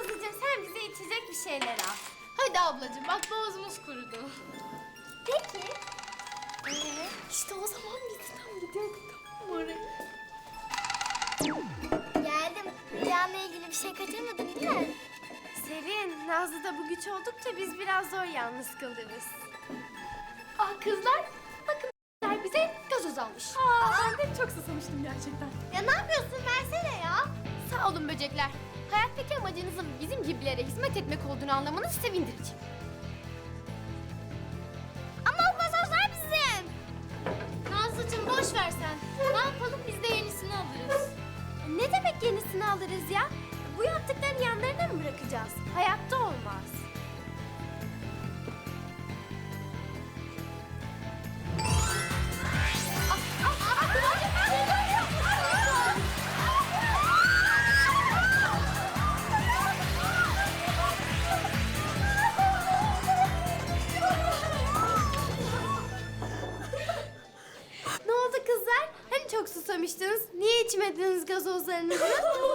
Nazlıcığım sen bize içecek bir şeyler al. Hadi ablacığım bak boğazımız kurudu. Peki. İşte o zaman biz tam gidiyorduk tamam mı oraya? Geldim. Rüyanla ilgili bir şey kaçırmadın değil mi? Serin, Nazlı'da bu güç oldukça biz biraz zor yalnız kalırız. Kızlar bakın bize gazoz almış. Ben de çok susamıştım gerçekten. Ya ne yapıyorsun? Versene ya. Sağ olun böcekler. Hayattaki amacınızın bizim gibilere hizmet etmek olduğunu anlamanız sevindirici. Ama o gazozlar bizim. Nazlıcığım boş ver sen. Ne yapalım biz de yenisini alırız. Ne demek yenisini alırız ya? Bu yaptıkların yanlarına mı bırakacağız? Hayatta olmaz. Ne oldu kızlar? Hani çok susamıştınız? Niye içmediniz gazozlarınızı?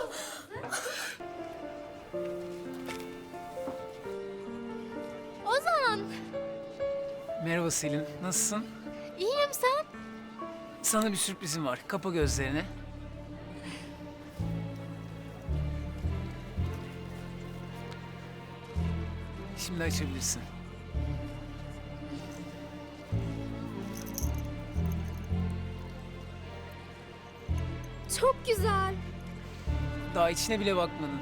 Ozan, Merhaba Selin, nasılsın? iyiyim sen? Sana bir sürprizim var. Kapa gözlerini. Şimdi açabilirsin. Çok güzel. Daha içine bile bakmadın.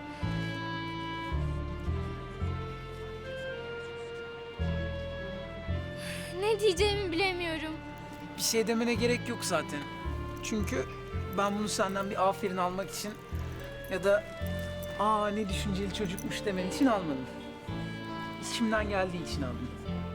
Ne diyeceğimi bilemiyorum. Bir şey demene gerek yok zaten. Çünkü ben bunu senden bir aferin almak için ya da ne düşünceli çocukmuş demen için almadım. İçimden geldiği için aldım.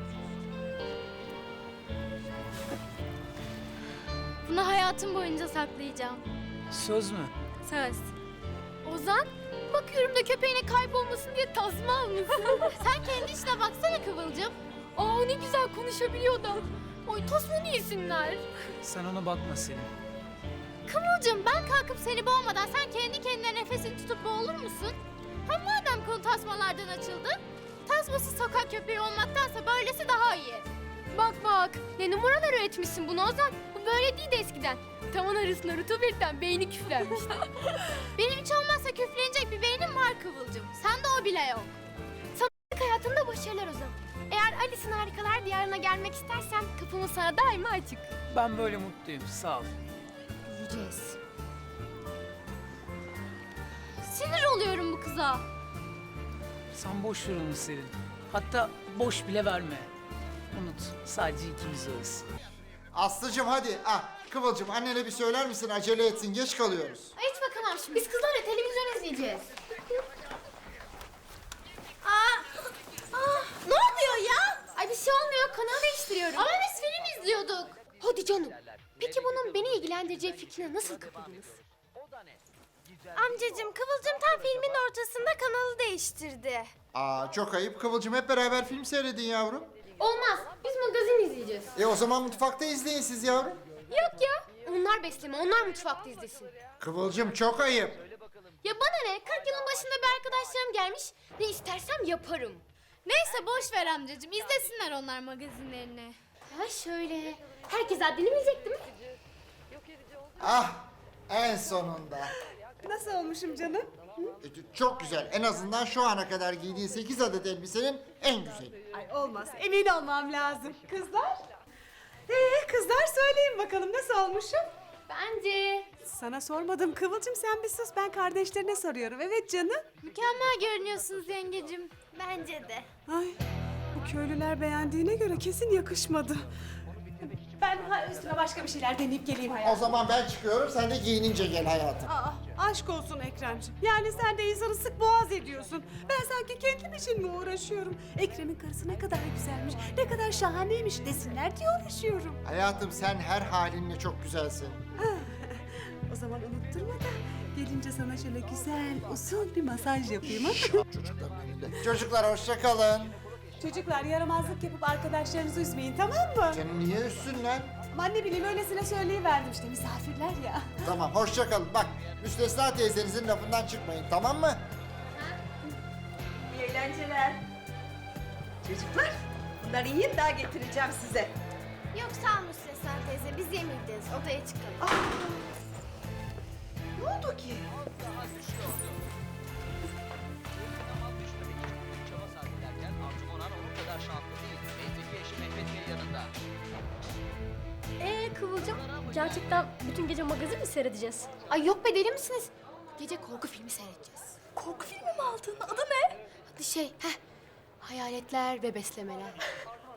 Bunu hayatım boyunca saklayacağım. Söz mü? Söz. Ozan, bakıyorum da köpeğine kaybolmasın diye tasma almışsın. Sen kendi işine baksana Kıvılcım. Ne güzel konuşabiliyor da. Oy tasmanı yesinler. Sen ona bakma Selin. Kıvılcım ben kalkıp seni boğmadan sen kendi kendine nefesini tutup boğulur musun? Hem madem konu tasmalardan açıldı, tasmasız sokak köpeği olmaktansa böylesi daha iyi. Bak bak, ne numaralar üretmişsin bunu Ozan. Bu böyle değildi eskiden. Tavan arasına rutubetten beyni küflenmişti. Benim hiç olmazsa küflenecek bir beynim var Kıvılcım. Sende o bile yok. Sanatlık hayatında başarılar Ozan. Eğer Alice'in Harikalar Diyarı'na gelmek istersen kapımız sana daima açık. Ben böyle mutluyum, sağ ol. Göreceğiz. Sinir oluyorum bu kıza. Sen boş ver onu Selin. Hatta boş bile verme. Unut, sadece ikimiz varız. Aslıcığım hadi. Kıvılcım annene bir söyler misin? Acele etsin. Geç kalıyoruz. Hiç bakamam şimdi. Biz kızlarla televizyon izleyeceğiz. Ne oluyor ya? Ay bir şey olmuyor. Kanal değiştiriyorum. Ama biz film izliyorduk. Hadi canım. Peki bunun beni ilgilendireceği fikrine nasıl kapıldınız? Amcacığım Kıvılcım tam filmin ortasında kanalı değiştirdi. Çok ayıp. Kıvılcım hep beraber film seyredin yavrum. Olmaz. Biz magazin izleyeceğiz. O zaman mutfakta izleyin siz yavrum. Yok ya. Onlar besleme. Onlar mutfakta izlesin. Kıvılcım çok ayıp. Ya bana ne? 40 yılın başında bir arkadaşlarım gelmiş. Ne istersem yaparım. Neyse boş ver amcacığım. İzlesinler onlar magazinlerini. Ha şöyle. Herkes haddini bilecek değil mi? En sonunda. Nasıl olmuşum canım? Çok güzel. En azından şu ana kadar giydiğin 8 adet elbisenin en güzeli. Ay olmaz, emin olmam lazım. Kızlar? Kızlar söyleyin bakalım nasıl olmuşum? Bence Sana sormadım Kıvılcım, sen bir sus, ben kardeşlerine soruyorum. Evet canım. mükemmel görünüyorsunuz yengecim. Bence de. Ay, bu köylüler beğendiğine göre kesin yakışmadı. Ben üstüme başka bir şeyler deneyip geleyim O hayatım. zaman ben çıkıyorum. Sen de giyinince gel hayatım. Aşk olsun Ekremciğim. Yani sen de insanı sık boğaz ediyorsun. Ben sanki kendim için mi uğraşıyorum? Ekrem'in karısı ne kadar güzelmiş, ne kadar şahaneymiş desinler diye uğraşıyorum. Hayatım sen her halinle çok güzelsin. O zaman unutturma da gelince sana şöyle güzel, usul bir masaj yapayım ha? Çocukların önünde. Çocuklar hoşça kalın. Çocuklar yaramazlık yapıp arkadaşlarınızı üzmeyin, tamam mı? Seni niye üstünler? Aman ne bileyim, öylesine söyleyiverdim işte, misafirler ya. Tamam hoşça kalın. Bak Müstesna teyzenizin lafından çıkmayın, tamam mı? eğlenceler. Çocuklar, bunları yiyin daha getireceğim size. Yok sağ ol Müstesna teyze biz yemeyeceğiz. Odaya çıkalım. Ne oldu ki? Daha düşüyordu. Ama düşmemek için büyük çaba sarf ederken Arzu Onan onun kadar şanslı değil. Teyzeki eşi Mehmet Bey yanında. Kıvılcım, gerçekten bütün gece magazin mi seyredeceğiz? Ay yok be deli misiniz? Gece korku filmi seyredeceğiz. Korku filmi mi aldın? Adı ne? Hadi hayaletler ve beslemeler.